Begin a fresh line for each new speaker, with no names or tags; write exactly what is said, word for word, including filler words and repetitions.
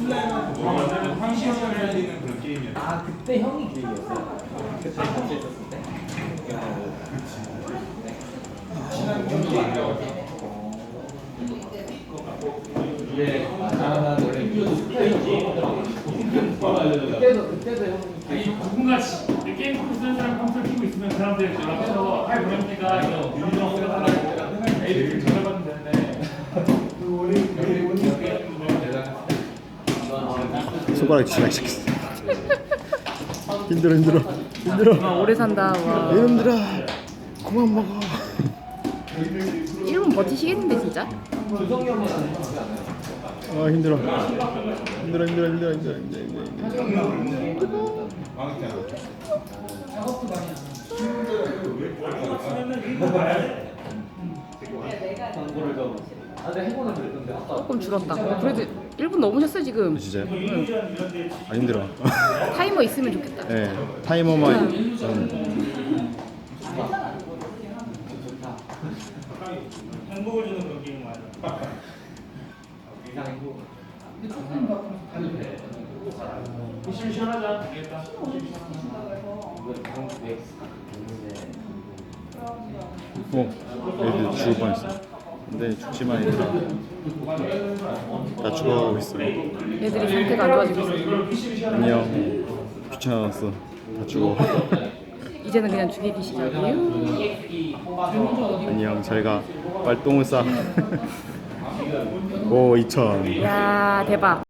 완전히 황시형을 살리는 그런 게임이었어.
아 그때 형이 기획이었어요? 그때 같이 했었을 때?
친한 경기예요.
예. 아 원래 그때도 그때도 형이
아니 누군가 시- 게임 컴퓨터 쓰는 사람 컴퓨터 키고 있으면 그 사람들 연락해서 하이 보냅니까? 이거 유리정 쓰다가 에이를 전화받으면 되는데
손가락 지나기 시작했어. 힘들어 힘들어 힘들어.
와 오래 산다. 와.
이놈들아 그만 먹어.
일 분 버티시겠는데 진짜?
조성이 형은 안 하지 않아요?
아 힘들어 힘들어 힘들어 힘들어 힘들어 힘들어 힘들어.
망했잖아.
광고를 좀. 아 근데 해보는 그랬던데 아까.
조금 줄었다. 어, 그래도 일 분 넘으셨어요 지금.
진짜요? 아 힘들어.
타이머 있으면 좋겠다.
네 타이머만 좀
행복을 주는 그런 게임 맞아.
이상 행복.
시원하자. 되겠다.
어 애들 죽을 뻔했어. 근데 죽지만 얘들아 나 죽어가고 있어.
애들이 상태가 안 좋아지고 있어.
안녕 귀찮았어 다 죽어.
이제는 그냥 죽이기 시작이에요.
안녕 잘가 빨리 똥을 싸. 오 이천.
야 대박.